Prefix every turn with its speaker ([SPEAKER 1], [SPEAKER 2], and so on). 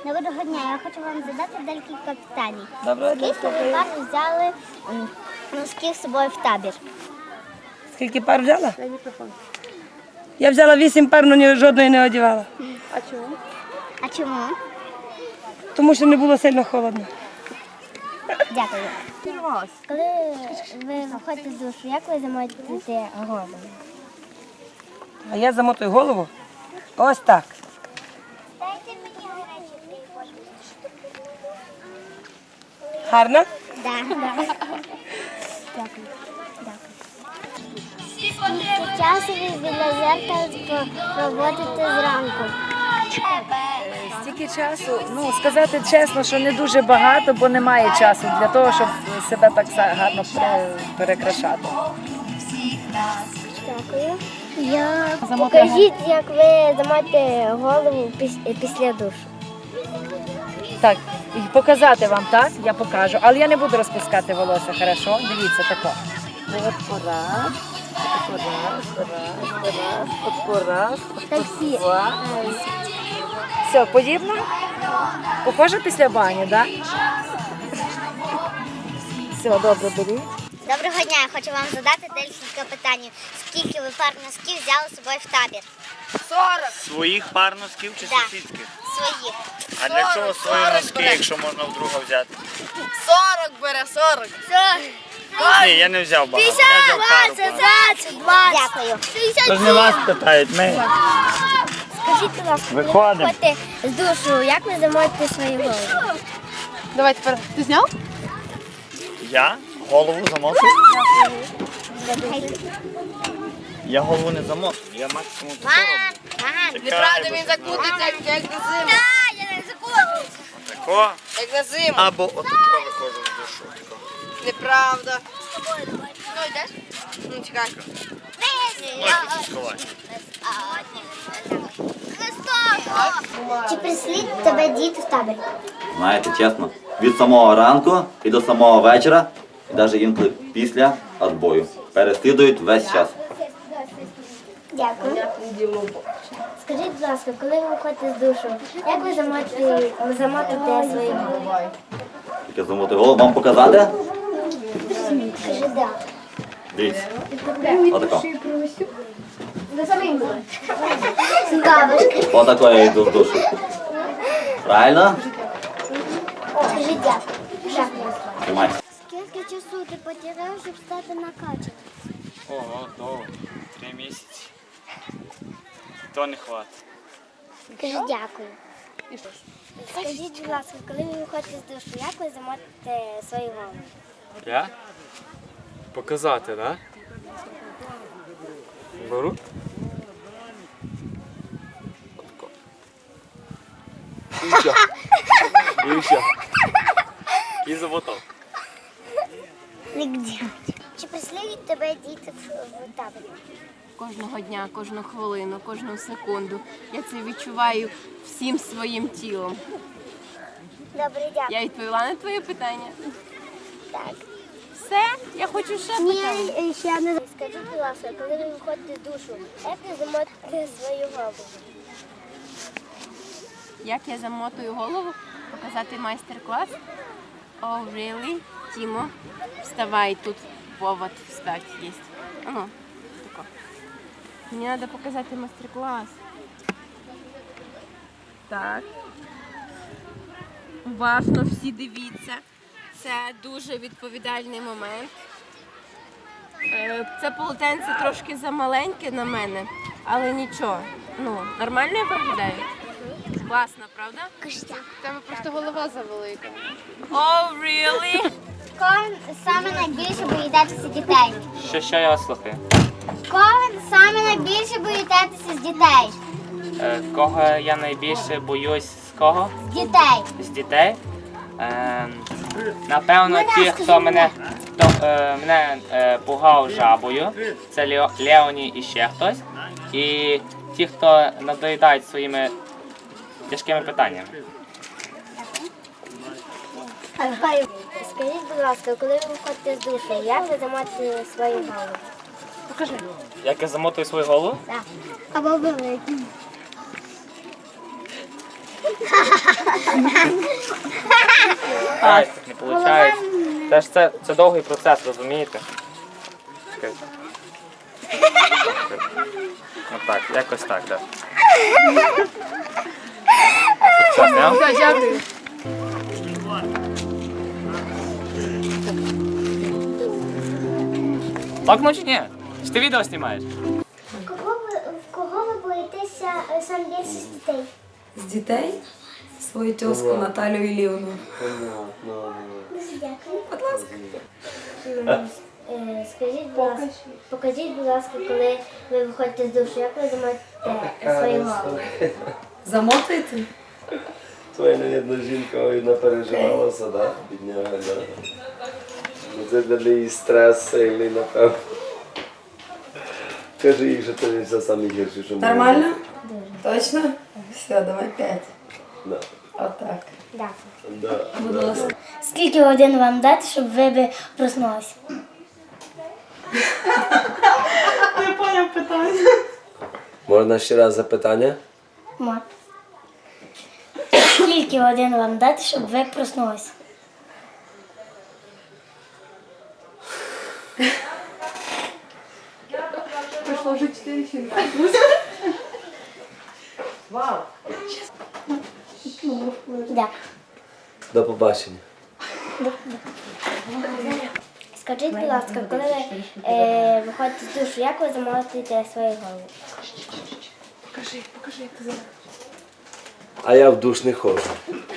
[SPEAKER 1] Доброго дня, я хочу вам задати декілька питань.
[SPEAKER 2] Доброго дня.
[SPEAKER 1] Скільки ви пар взяли носків з собою в табір?
[SPEAKER 2] Скільки пар взяла? Я взяла 8 пар, але жодної не одягала.
[SPEAKER 1] А чому?
[SPEAKER 2] Тому що не було сильно холодно.
[SPEAKER 1] Дякую. Коли ви виходите з душу, як ви замотуєте голову?
[SPEAKER 2] А я замотую голову ось так.
[SPEAKER 1] Дайте мені гарячий
[SPEAKER 2] Гарно?
[SPEAKER 1] Так. Дякую. Скільки часу ви біля зеркала проводите зранку?
[SPEAKER 3] Стільки часу, сказати чесно, що не дуже багато, бо немає часу для того, щоб себе так гарно перекрашати.
[SPEAKER 1] Дякую. Покажіть, як ви замотите голову після душу.
[SPEAKER 3] Так, і показати вам, так? Я покажу, але я не буду розпускати волосся, хорошо? Дивіться, тако. Раз.
[SPEAKER 1] Таксі.
[SPEAKER 3] Все, подібно? Похоже після бані, так? Все, добре, беріть.
[SPEAKER 1] Доброго дня, я хочу вам задати декілька питань. Скільки ви пар носків взяли з собою в табір?
[SPEAKER 4] 40. Своїх пар носків чи
[SPEAKER 1] Так.
[SPEAKER 4] сусідських?
[SPEAKER 1] Своїх.
[SPEAKER 4] А для чого свої носки, якщо можна вдруга взяти?
[SPEAKER 5] 40 бере, 40.
[SPEAKER 4] Ні, я не взяв багато. Я взяв пару пар.
[SPEAKER 1] Дякую.
[SPEAKER 4] Тож не вас питають, ми.
[SPEAKER 1] Скажіть, будь ласка, коли ви
[SPEAKER 4] Виходимо.
[SPEAKER 1] виходите з душу, як ви замотите свою голову?
[SPEAKER 5] Давай тепер. Ти зняв?
[SPEAKER 4] Я голову замотую? Я голову не замотую, я максимум тако роблю.
[SPEAKER 5] Неправда, він закутиться, як на зиму.
[SPEAKER 1] Я не закутуюся.
[SPEAKER 4] Тако,
[SPEAKER 5] Як на зиму.
[SPEAKER 4] або отако виходжу з душу. Тако.
[SPEAKER 5] Неправда. Ну, йдеш? Ну, чекай.
[SPEAKER 4] Ноги сховати.
[SPEAKER 1] Чи прислід тебе діти в табір?
[SPEAKER 6] Знаєте, чесно, від самого ранку і до самого вечора, і навіть інколи після відбою, переслідують весь час.
[SPEAKER 1] Дякую. Скажіть, будь ласка, коли ви виходите з душу, як ви замотите свою голову?
[SPEAKER 6] Тільки замотую голову, вам показати?
[SPEAKER 1] Скажи, да.
[SPEAKER 6] Дивіться. Отако.
[SPEAKER 1] Бабушка.
[SPEAKER 6] Отако я йду в душу. Правильно?
[SPEAKER 1] Скажи, дякую. Шахмат.
[SPEAKER 6] Тримай.
[SPEAKER 1] Скільки часу ти потеряв, щоб стати накачаним?
[SPEAKER 4] Ого, довго. 3 місяці. То не хватить.
[SPEAKER 1] Скажи, дякую. Скажіть, будь ласка, коли ви виходите з душу, як ви замотите свою голову?
[SPEAKER 7] Я? Показати, так? Беру. Отако. І все. І все. І замотав.
[SPEAKER 1] Нігде. Чи прислідують тебе діти в таборі?
[SPEAKER 8] Кожного дня, кожну хвилину, кожну секунду. Я це відчуваю всім своїм тілом.
[SPEAKER 1] Добре, дякую.
[SPEAKER 8] Я відповіла на твоє питання.
[SPEAKER 1] Так.
[SPEAKER 8] Все? Я хочу ще питання.
[SPEAKER 1] Ні, ще не. Скажіть, будь ласка, коли ви виходите з душу, як ви замотите свою голову?
[SPEAKER 8] Як я замотую голову? Показати майстер-клас? Oh, really? Тімо, вставай, тут повод встать є. Ну, тако. Мені треба показати майстер-клас. Так. Уважно всі дивіться. Це дуже відповідальний момент. Це полотенце трошки замаленьке на мене, але нічого. Ну, нормально я виглядаю? Класно, правда?
[SPEAKER 5] Тебе просто голова завелика.
[SPEAKER 8] Oh, really?
[SPEAKER 1] Кого ви саме найбільше боїтеся дітей?
[SPEAKER 7] Що я вас слухаю?
[SPEAKER 1] Кого ви саме найбільше боїтеся з дітей?
[SPEAKER 7] Кого я найбільше боюсь з кого?
[SPEAKER 1] З дітей.
[SPEAKER 7] З дітей? Напевно, ті, хто мене пугав жабою, це Леоні і ще хтось. І ті, хто надоїдають своїми тяжкими питаннями.
[SPEAKER 1] Скажіть, будь ласка, коли ви виходите з душу, як ви замотите свою голову?
[SPEAKER 5] Покажи.
[SPEAKER 7] Як я замотую свою голову?
[SPEAKER 1] Так. Або великий.
[SPEAKER 7] Ай, не виходить. Це довгий процес, розумієте? Чекайте. Отак, якось так, так. Все, зняв?
[SPEAKER 5] Все, дякую.
[SPEAKER 7] Так, ну чи ні? Чи ти відео знімаєш?
[SPEAKER 1] В кого ви боїтеся сам більше з дітей?
[SPEAKER 2] З дітей свою тьоску Наталю Ілівну.
[SPEAKER 1] Дуже дякую.
[SPEAKER 2] Будь ласка.
[SPEAKER 1] Скажіть, будь ласка, покажіть, будь ласка, коли ви виходите з душу, як ви замотите свою голову?
[SPEAKER 2] Замотуєте?
[SPEAKER 9] Твоя jedna жінка напереживалася, да? Бідняга, да? Ну, це для неї стрес сильний, напевно. Кажи їй, що це не все саме гірше, що може
[SPEAKER 2] Нормально?
[SPEAKER 1] Дуже.
[SPEAKER 2] Точно? Все, давай 5.
[SPEAKER 9] бути.
[SPEAKER 2] Отак.
[SPEAKER 1] Дякую.
[SPEAKER 9] Да.
[SPEAKER 2] Будь ласка.
[SPEAKER 1] Скільки годин вам дати, щоб ви б проснулися?
[SPEAKER 2] Не поняв питання.
[SPEAKER 9] Можна ще раз запитання?
[SPEAKER 1] Мат. Скільки годин вам дати, щоб ви проснулися?
[SPEAKER 5] Пройшло вже 4 фільми.
[SPEAKER 1] Дякую.
[SPEAKER 9] До побачення.
[SPEAKER 1] Скажіть, будь ласка, коли ви виходите з душу, як ви замотуєте свою голову?
[SPEAKER 5] Покажи, як ти зараз.
[SPEAKER 9] А я в душ не ходжу.